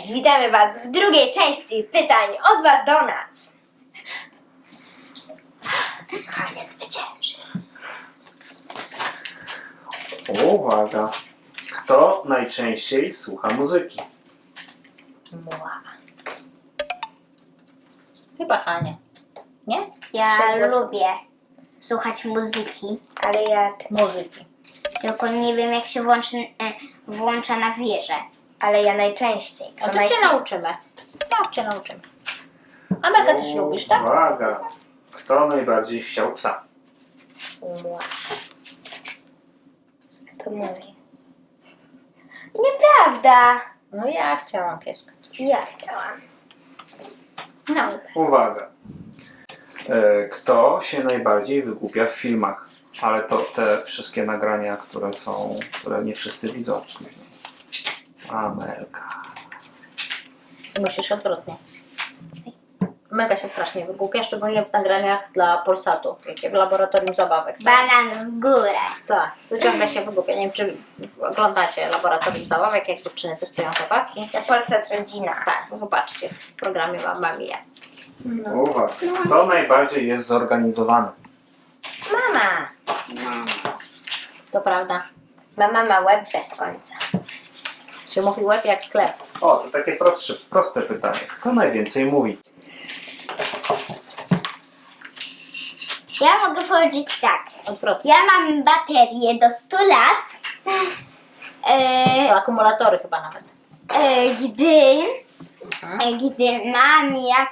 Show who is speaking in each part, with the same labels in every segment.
Speaker 1: Cześć, witamy Was w drugiej części pytań od Was do nas. Hania zwycięży.
Speaker 2: Uwaga! Kto najczęściej słucha muzyki?
Speaker 1: Muła.
Speaker 3: Chyba Hania. Nie?
Speaker 4: Ja
Speaker 1: Przegłos-
Speaker 4: lubię słuchać muzyki,
Speaker 1: Ale ja...
Speaker 3: Muzyki.
Speaker 4: tylko nie wiem jak się włącza na wieżę.
Speaker 1: Ale ja najczęściej.
Speaker 3: A to się nauczymy. Tak, cię nauczymy. Amelka też lubisz, tak?
Speaker 2: Uwaga! Kto najbardziej chciał psa?
Speaker 1: Muła. To mówię. Nieprawda.
Speaker 3: No ja chciałam pieska.
Speaker 1: Ja chciałam.
Speaker 3: No.
Speaker 2: Uwaga! Kto się najbardziej wygłupia w filmach? Ale to te wszystkie nagrania, które nie wszyscy widzą później. Amelka.
Speaker 3: Ty musisz odwrotnie. Amelka się strasznie wygłupia, szczególnie w nagraniach dla Polsatu, jakie w laboratorium zabawek.
Speaker 4: Banan w górę.
Speaker 3: Tak, to ciągle się wygłupia. Nie wiem, czy oglądacie laboratorium zabawek, jak dziewczyny testują zabawki.
Speaker 1: Na Polsat Rodzina.
Speaker 3: Tak, no zobaczcie w programie Mamma Mia.
Speaker 2: Uwaga! Kto najbardziej jest zorganizowany?
Speaker 1: Mama.
Speaker 3: To prawda.
Speaker 1: Mama ma łeb bez końca.
Speaker 3: Czy mówi łeb jak sklep?
Speaker 2: O, to takie proste pytanie. Kto najwięcej mówi?
Speaker 4: Ja mogę powiedzieć tak.
Speaker 3: Odwrotnie.
Speaker 4: Ja mam baterię do 100 lat,
Speaker 3: To akumulatory chyba nawet.
Speaker 4: gdy mam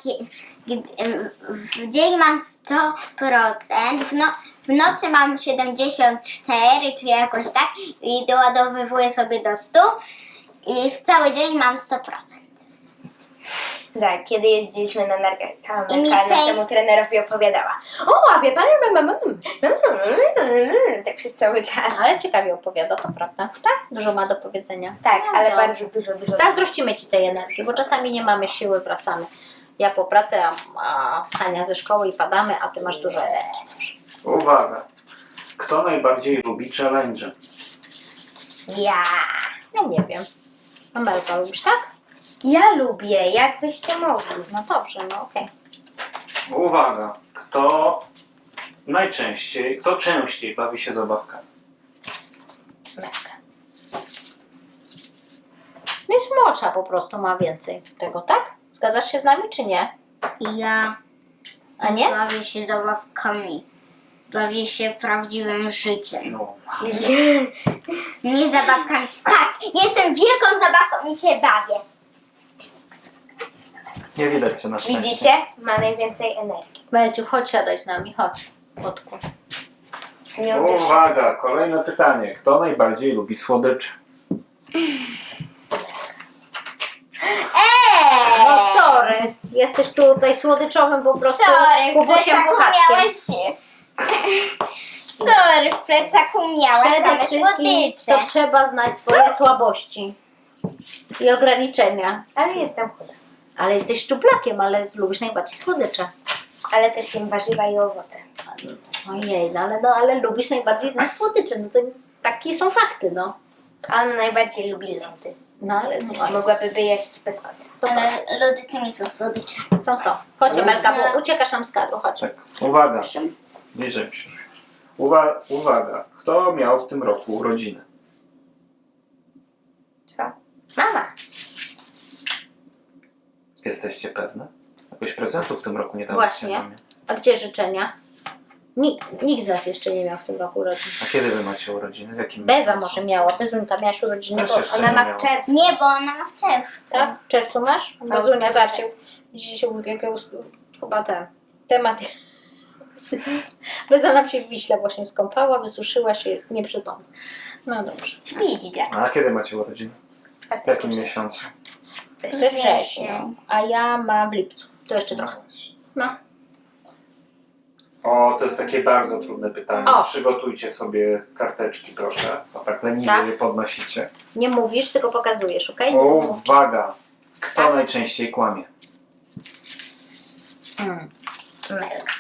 Speaker 4: w dzień mam 100%, w nocy mam 74 czy jakoś tak i doładowywuję sobie do 100 i w cały dzień mam 100%.
Speaker 1: Tak, kiedy jeździliśmy na narkach, to
Speaker 4: I mi
Speaker 1: Amelka
Speaker 4: tej-
Speaker 1: naszemu trenerowi opowiadała. O, a wie pan, tak przez cały czas.
Speaker 3: Ale ciekawie opowiada, to prawda. Tak? Dużo ma do powiedzenia.
Speaker 1: Tak,
Speaker 3: No,
Speaker 1: ale
Speaker 3: to
Speaker 1: bardzo dużo.
Speaker 3: Zazdrościmy Ci tej energii, bo czasami nie mamy siły, wracamy. Ja po pracy, a Hania ze szkoły i padamy, a Ty masz dużo energii zawsze.
Speaker 2: Uwaga! Kto najbardziej lubi challenge?
Speaker 1: Ja.
Speaker 3: Ja nie wiem. Amelka, lubisz tak?
Speaker 1: Ja lubię, jak wyście mogli.
Speaker 3: No dobrze, no okej.
Speaker 2: Uwaga! Kto częściej bawi się zabawkami?
Speaker 1: Amelka.
Speaker 3: No jest młodsza po prostu, ma więcej tego, tak? Zgadzasz się z nami, czy nie?
Speaker 4: Ja
Speaker 3: A nie?
Speaker 4: bawię się zabawkami. Bawię się prawdziwym życiem.
Speaker 2: No.
Speaker 4: Nie zabawkami. Tak, jestem wielką zabawką i się bawię.
Speaker 2: Nie widać cię na szczęście.
Speaker 1: Widzicie? Ma najwięcej energii.
Speaker 3: Belciu, chodź siadaj z nami, chodź. Kotku.
Speaker 1: Nie uwierzysz.
Speaker 2: Uwaga! Kolejne pytanie. Kto najbardziej lubi słodycze?
Speaker 3: No sorry, jesteś tutaj słodyczowym po prostu
Speaker 4: Sorry, w
Speaker 3: kubusiem
Speaker 4: plecaku
Speaker 3: puchatkiem.
Speaker 4: miałeś Sorry, w plecaku miałeś
Speaker 3: Przede
Speaker 4: same
Speaker 3: wszystkim
Speaker 4: słodycze.
Speaker 3: to trzeba znać swoje słabości i ograniczenia.
Speaker 1: Ale jestem chuda.
Speaker 3: Ale jesteś szczuplakiem, ale lubisz najbardziej słodycze.
Speaker 1: Ale też jem warzywa i owoce.
Speaker 3: Ojej, ale lubisz najbardziej znać słodycze. No to takie są fakty, no.
Speaker 1: A ona najbardziej lubi lody.
Speaker 3: No ale no,
Speaker 1: Mogłaby jeść bez końca.
Speaker 3: to
Speaker 4: Ale lody to nie są słodycze.
Speaker 3: są. Chodź Amelka, bo uciekasz nam z kadru, chodź.
Speaker 2: Tak. Uwaga! Bliżej się. Uwaga! Kto miał w tym roku urodziny?
Speaker 1: Co? Mama.
Speaker 2: Jesteście pewne? Jakoś prezentów w tym roku nie daliście
Speaker 3: Właśnie.
Speaker 2: mamie.
Speaker 3: A gdzie życzenia? Nikt z nas jeszcze nie miał w tym roku urodzin.
Speaker 2: A kiedy wy macie urodziny? W jakim
Speaker 3: Beza
Speaker 2: miesiącu?
Speaker 3: może miała, Bezunka miałaś urodziny,
Speaker 2: Też
Speaker 3: bo
Speaker 2: jeszcze
Speaker 1: Ona
Speaker 2: nie
Speaker 1: ma
Speaker 2: miała.
Speaker 1: w czerwcu.
Speaker 4: Nie, bo ona ma w czerwcu.
Speaker 3: tak? W czerwcu masz?
Speaker 1: Ma
Speaker 3: Bezunia
Speaker 1: ósmy
Speaker 3: zaczął. Dzisiaj chyba ten temat. Beza nam się w Wiśle właśnie skąpała, wysuszyła się, jest nieprzytomna. No dobrze.
Speaker 4: Śpi dzieciak.
Speaker 2: A kiedy macie urodziny? W jakim
Speaker 1: września.
Speaker 2: miesiącu?
Speaker 3: We wrześniu, a ja mam w lipcu. To jeszcze trochę. No.
Speaker 2: O, to jest takie bardzo trudne pytanie.
Speaker 3: O.
Speaker 2: Przygotujcie sobie karteczki, proszę. O, tak leniwie
Speaker 3: Tak?
Speaker 2: je podnosicie.
Speaker 3: Nie mówisz, tylko pokazujesz, okej?
Speaker 2: Uwaga! Kto
Speaker 3: Tak?
Speaker 2: najczęściej kłamie?
Speaker 1: Amelka.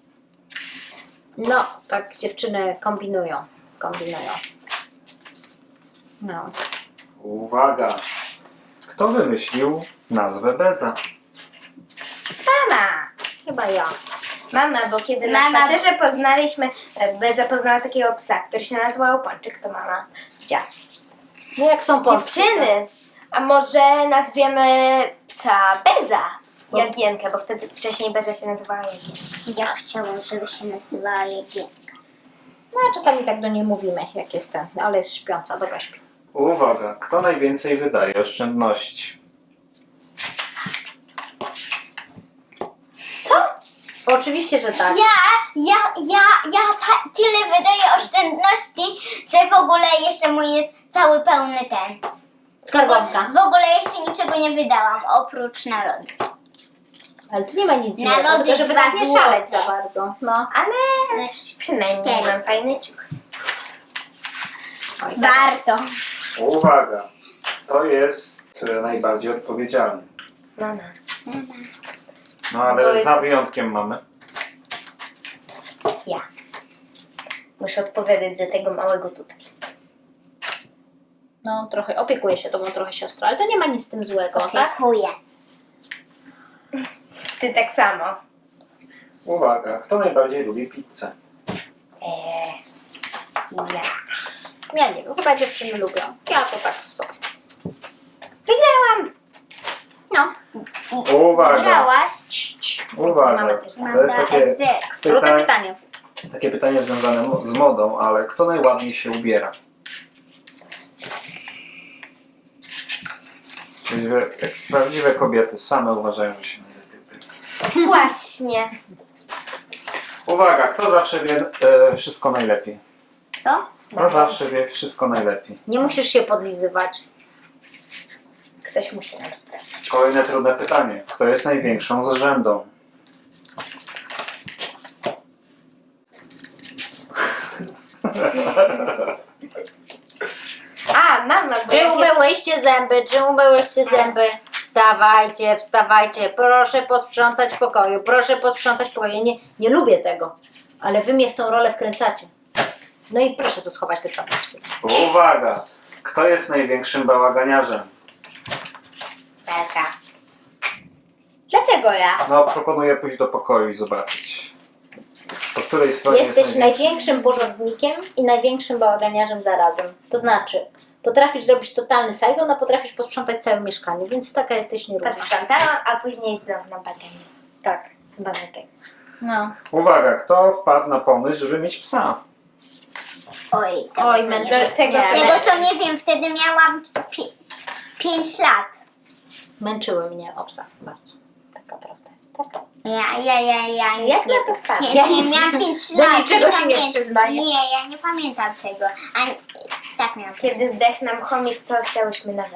Speaker 3: No, tak dziewczyny kombinują. No.
Speaker 2: Uwaga! Kto wymyślił nazwę Beza?
Speaker 1: Mama!
Speaker 3: Chyba ja.
Speaker 1: Mama, bo kiedy na
Speaker 4: Mama.
Speaker 1: spacerze poznaliśmy, Beza poznała takiego psa, który się nazywał Pączek, to mama chciała.
Speaker 3: No jak są Polscy.
Speaker 1: Dziewczyny, a może nazwiemy psa Beza? Jagienkę, bo wtedy wcześniej Beza się nazywała Jagienka.
Speaker 4: Ja chciałam, żeby się nazywała Jagienka.
Speaker 3: No a czasami tak do niej mówimy, jak jest ten, ale jest śpiąca, dobra śpi.
Speaker 2: Uwaga, kto najwięcej wydaje oszczędności?
Speaker 1: Co?
Speaker 3: Oczywiście, że tak.
Speaker 4: Tyle wydaję oszczędności, że w ogóle jeszcze mój jest cały pełny ten.
Speaker 3: Skarbonka.
Speaker 4: W ogóle jeszcze niczego nie wydałam, oprócz na lody.
Speaker 3: Ale tu nie ma nic
Speaker 4: Na
Speaker 3: złego,
Speaker 4: lody
Speaker 3: tylko żeby
Speaker 4: 2
Speaker 3: tak nie
Speaker 4: złote.
Speaker 3: szaleć za bardzo. No.
Speaker 1: Ale przynajmniej
Speaker 4: 4.
Speaker 1: mam fajny ciuch.
Speaker 3: Oj, tak.
Speaker 4: Warto.
Speaker 2: Uwaga, kto jest najbardziej odpowiedzialny?
Speaker 1: Mama.
Speaker 2: No
Speaker 1: Bo
Speaker 2: ale
Speaker 1: jest-
Speaker 2: za wyjątkiem mamy.
Speaker 1: Ja. Muszę odpowiadać za tego małego tutaj.
Speaker 3: No trochę, opiekuję się tobą trochę siostra, ale to nie ma nic z tym złego, tak?
Speaker 4: Dziękuję.
Speaker 1: Ty tak samo.
Speaker 2: Uwaga, kto najbardziej lubi pizzę?
Speaker 1: Ja.
Speaker 3: Ja nie wiem, chyba dziewczyny lubią. Ja to tak sobie.
Speaker 1: Wygrałam!
Speaker 3: No,
Speaker 2: Uwaga,
Speaker 4: Grałaś?
Speaker 2: uwaga.
Speaker 1: Mamy też
Speaker 2: To jest takie
Speaker 3: trudne pytanie.
Speaker 2: takie pytanie związane z modą, ale kto najładniej się ubiera? Prawdziwe kobiety same uważają, że się najlepiej ubierają.
Speaker 1: Właśnie.
Speaker 2: Uwaga, kto zawsze wie wszystko najlepiej?
Speaker 4: Co?
Speaker 2: Kto zawsze wie wszystko najlepiej?
Speaker 3: Nie musisz się podlizywać.
Speaker 1: Ktoś musi nam sprawdzić.
Speaker 2: Kolejne trudne pytanie. Kto jest największą zrzędą?
Speaker 1: A, mama, bo
Speaker 3: Czy
Speaker 1: jak jest...
Speaker 3: umyłyście zęby? Czy umyłyście zęby? Wstawajcie, wstawajcie, proszę posprzątać w pokoju, proszę posprzątać w pokoju. Ja nie lubię tego, ale wy mnie w tą rolę wkręcacie. No i proszę tu schować te czapki.
Speaker 2: Uwaga! Kto jest największym bałaganiarzem?
Speaker 1: Belka. Dlaczego ja?
Speaker 2: No, proponuję pójść do pokoju i zobaczyć. Po której stronie
Speaker 3: Jesteś
Speaker 2: jest największy?
Speaker 3: największym porządnikiem i największym bałaganiarzem zarazem. To znaczy, potrafisz zrobić totalny sajgon, a potrafisz posprzątać całe mieszkanie, więc taka jesteś nierówna.
Speaker 1: Posprzątałam, a później znowu na badanie.
Speaker 3: Tak.
Speaker 1: Chyba na tego.
Speaker 3: No.
Speaker 2: Uwaga, kto wpadł na pomysł, żeby mieć psa?
Speaker 4: Oj, tego,
Speaker 3: Oj,
Speaker 4: to,
Speaker 3: mężczyzna.
Speaker 4: nie wiem.
Speaker 1: Tego
Speaker 3: Nie.
Speaker 4: Tego to nie wiem, wtedy miałam 5 lat.
Speaker 3: Męczyły mnie o psach bardzo. Taka prawda jest. Tak.
Speaker 4: Ja nic
Speaker 1: Jak
Speaker 4: nie,
Speaker 1: na to wpadł?
Speaker 4: nie,
Speaker 3: Ja
Speaker 4: nie
Speaker 3: nic
Speaker 4: miałam
Speaker 3: nie-
Speaker 4: 5
Speaker 3: do
Speaker 4: lat.
Speaker 3: niczego się nie
Speaker 4: pamię-
Speaker 3: przyznaję.
Speaker 4: Nie, ja nie pamiętam tego. Tak miałam.
Speaker 1: Kiedy zdechł nam chomik, to chciałyśmy nawet.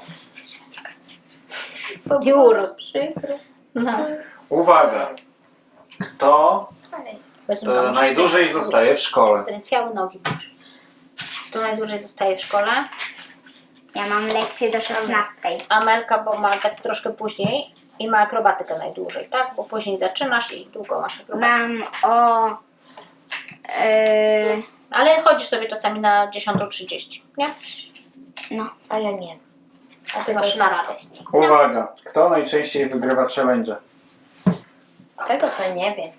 Speaker 3: I urósł.
Speaker 1: Przykro.
Speaker 3: No.
Speaker 2: Uwaga, kto
Speaker 3: Bez
Speaker 2: najdłużej zostaje w szkole?
Speaker 3: Zdrętwiały nogi. Kto najdłużej zostaje w szkole?
Speaker 4: Ja mam lekcję do 16.
Speaker 3: Amelka, bo ma tak troszkę później i ma akrobatykę najdłużej, tak? Bo później zaczynasz i długo masz akrobatykę.
Speaker 4: Mam o...
Speaker 3: Ale chodzisz sobie czasami na 10:30, nie?
Speaker 4: no.
Speaker 1: A ja nie.
Speaker 3: A ty masz na rano.
Speaker 2: Uwaga, kto najczęściej wygrywa challenge?
Speaker 1: Tego to nie wiem.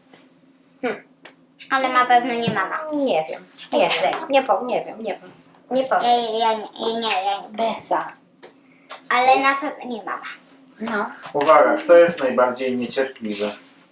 Speaker 4: Ale na pewno nie mama.
Speaker 3: Nie wiem. Nie wiem. Nie wiem.
Speaker 1: Nie powiem.
Speaker 4: Ja nie.
Speaker 3: Besa.
Speaker 4: Ale na pewno nie mama.
Speaker 3: No.
Speaker 2: Uwaga, kto jest najbardziej niecierpliwy?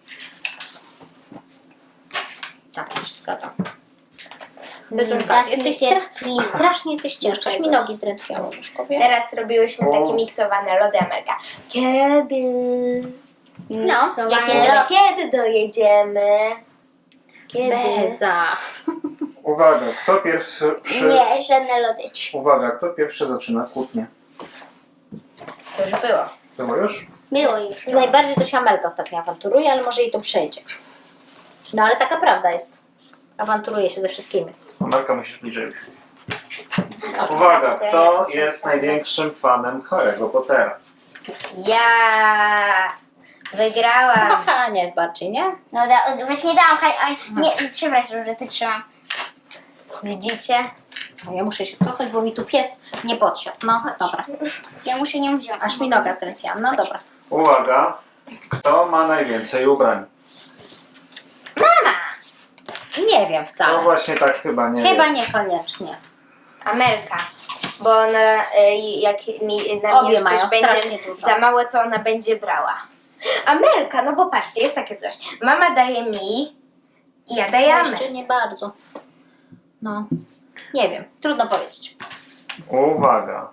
Speaker 3: Tak, to się zgadzam. Bezunka,
Speaker 4: Das
Speaker 3: jesteś
Speaker 4: niecierpliwa.
Speaker 3: strasznie jesteś ciężka. Aż mi nogi zdrętwiały, Mieszkowie.
Speaker 1: Teraz robiłyśmy takie miksowane lody Amelka. Kiedy?
Speaker 3: No,
Speaker 1: Kiedy dojedziemy? Kiedy?
Speaker 3: Beza.
Speaker 2: Uwaga, kto pierwszy...
Speaker 4: Nie, żadne lody.
Speaker 2: Uwaga, kto pierwszy zaczyna kłótnię?
Speaker 1: To już było.
Speaker 2: Było już?
Speaker 4: Było już.
Speaker 3: Najbardziej to się Amelka ostatnio awanturuje, ale może jej to przejdzie. No ale taka prawda jest. Awanturuje się ze wszystkimi.
Speaker 2: Marka, musisz bliżej. Uwaga, kto jest największym fanem Harry'ego Pottera?
Speaker 1: Ja wygrałam.
Speaker 3: Aha, nie jest bardziej, nie?
Speaker 4: No właśnie dałam, nie, przepraszam, że tak trzymam.
Speaker 1: Widzicie?
Speaker 3: No, ja muszę się cofnąć, bo mi tu pies nie podsiadł. No, dobra.
Speaker 4: Ja muszę nią wziąć.
Speaker 3: Aż mi noga zdrętwiała. No dobra.
Speaker 2: Uwaga, kto ma najwięcej ubrań?
Speaker 3: Nie wiem
Speaker 2: No
Speaker 3: wcale.
Speaker 2: właśnie tak chyba nie
Speaker 3: Chyba
Speaker 2: jest.
Speaker 3: niekoniecznie.
Speaker 1: Amelka. Bo ona, jak na
Speaker 3: Obie
Speaker 1: mnie już
Speaker 3: mają
Speaker 1: coś
Speaker 3: strasznie
Speaker 1: będzie
Speaker 3: dużo.
Speaker 1: za małe, to ona będzie brała. Amelka, no bo patrzcie, jest takie coś. Mama daje mi i ja daję
Speaker 3: Jeszcze
Speaker 1: Amelce.
Speaker 3: nie bardzo. No, nie wiem. Trudno powiedzieć.
Speaker 2: Uwaga.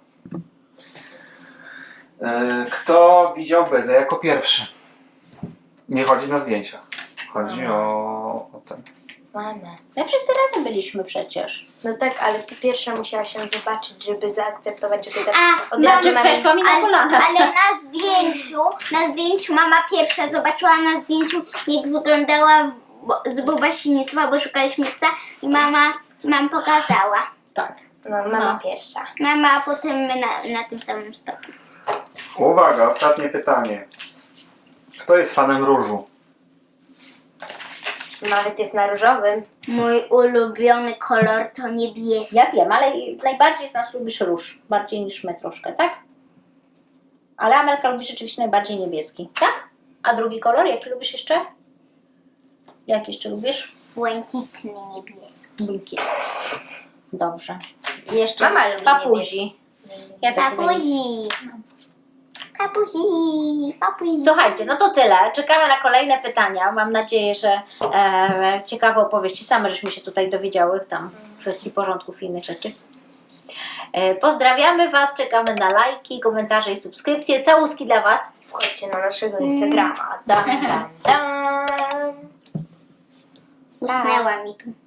Speaker 2: Kto widział Bezę jako pierwszy? Nie chodzi na zdjęcia. Chodzi o ten.
Speaker 1: Mama.
Speaker 3: My wszyscy razem byliśmy przecież.
Speaker 1: No tak, ale ty pierwsza musiała się zobaczyć, żeby zaakceptować, żeby tak
Speaker 4: A,
Speaker 1: od
Speaker 4: no,
Speaker 1: razu
Speaker 3: Że
Speaker 1: na mnie...
Speaker 3: weszła mi na kolana.
Speaker 4: Ale na zdjęciu mama pierwsza zobaczyła na zdjęciu, jak wyglądała z Bobasiństwa, bo szukaliśmy psa i mama pokazała.
Speaker 3: Tak.
Speaker 1: No, mama
Speaker 3: No.
Speaker 1: pierwsza.
Speaker 4: Mama, a potem my na tym samym stopniu.
Speaker 2: Uwaga, ostatnie pytanie. Kto jest fanem różu?
Speaker 1: Nawet jest na różowym.
Speaker 4: Mój ulubiony kolor to niebieski.
Speaker 3: Ja wiem, ale najbardziej z nas lubisz róż. Bardziej niż my troszkę, tak? Ale Amelka lubi rzeczywiście najbardziej niebieski, tak? A drugi kolor, jaki lubisz jeszcze? Jak jeszcze lubisz?
Speaker 4: Błękitny niebieski.
Speaker 3: Błękitny. Dobrze. I jeszcze
Speaker 1: Mama lubi
Speaker 3: papuzi. Ja też lubię.
Speaker 4: Papuzi. Papuzi. Papuzi.
Speaker 3: Słuchajcie, no to tyle. Czekamy na kolejne pytania. Mam nadzieję, że ciekawe opowieści. Same żeśmy się tutaj dowiedziały tam w kwestii porządków i innych rzeczy. Pozdrawiamy Was, czekamy na lajki, komentarze i subskrypcje. Całuski dla Was.
Speaker 1: Wchodźcie na naszego Instagrama. Dam, dam, dam.
Speaker 4: Usnęła mi tu.